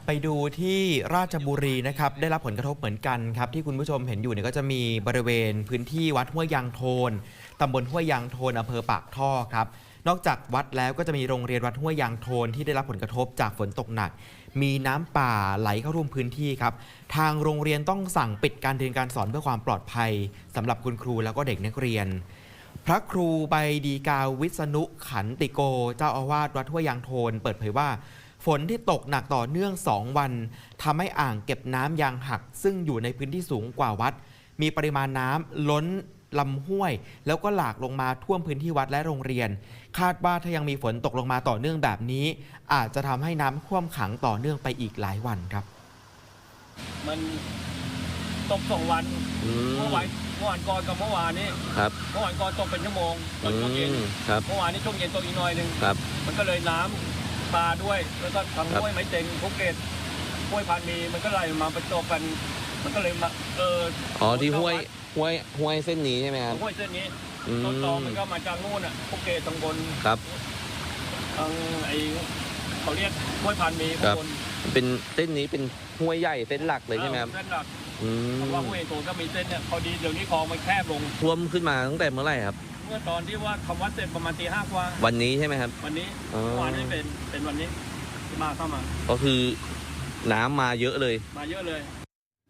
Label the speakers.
Speaker 1: ไปดูที่ราชบุรีนะครับได้รับผลกระทบเหมือนกันครับที่คุณผู้ชมเห็นอยู่เนี่ยก็จะมีบริเวณพื้นที่วัดห้วยยางโทนตำบลห้วยยางโทนอำเภอปากท่อครับนอกจากวัดแล้วก็จะมีโรงเรียนวัดห้วยยางโทนที่ได้รับผลกระทบจากฝนตกหนักมีน้ำป่าไหลเข้าท่วมพื้นที่ครับทางโรงเรียนต้องสั่งปิดการเรียนการสอนเพื่อความปลอดภัยสำหรับคุณครูแล้วก็เด็กนักเรียนพระครูใบดีกาวิษณุขันติโกเจ้าอาวาสวัดห้วยยางโทนเปิดเผยว่าฝนที่ตกหนักต่อเนื่อง 2 วันทำให้อ่างเก็บน้ำยางหักซึ่งอยู่ในพื้นที่สูงกว่าวัดมีปริมาณน้ำล้นลำห้วยแล้วก็หลากลงมาท่วมพื้นที่วัดและโรงเรียนคาดว่าถ้ายังมีฝนตกลงมาต่อเนื่องแบบนี้อาจจะทำให้น้ำท่วมขังต่อเนื่องไปอีกหลายวันครับ
Speaker 2: มันตก2 วันเมื่อวานก่อนกับเมื่อวานนี้
Speaker 3: ครับ
Speaker 2: เมื่อวานก่อนตกเป็นชั่วโมงตอนช่วงเย็นเมื่อวานนี้ช่วงเย็นตกอีกหน่อยนึงมันก็เลยน้ำปลาด้วยแล้วก็ทางห้วยไม้เต็งภูเก็ตห้วยพันมีมันก็ไหลมาประจบกันมันก็เลยมา
Speaker 3: ที่ห้วยเส้นนี้ใช่ไหมครับ
Speaker 2: ห้วยเส้นนี้ต้นตอมันก็มาจากนู่นภูเก็ตตรงบน
Speaker 3: ครับ
Speaker 2: ทางเขาเรียกห้วยพันมีข้างบน
Speaker 3: เป็นเส้นนี้เป็นห้วยใหญ่เส้นหลักเลยใช่ไหมครับ
Speaker 2: เส้นหลักเพราะว่าห้วยโตก็มีเส้นเนี่ยพอดีเดี๋ยวนี้คลองมันแคบลง
Speaker 3: ท่วมขึ้นมาตั้งแต่เมื่อไหร่ครับ
Speaker 2: เมื่อตอนที่ว่าคำวัดเสร็จประมาณตี 5กว่า
Speaker 3: วันนี้ใช่ไหมครับ
Speaker 2: วันนี้วันนี้เป็นวันนี้ที่เข้ามา
Speaker 3: ก็คือน้ำมาเยอะเลย
Speaker 2: มาเยอะเลย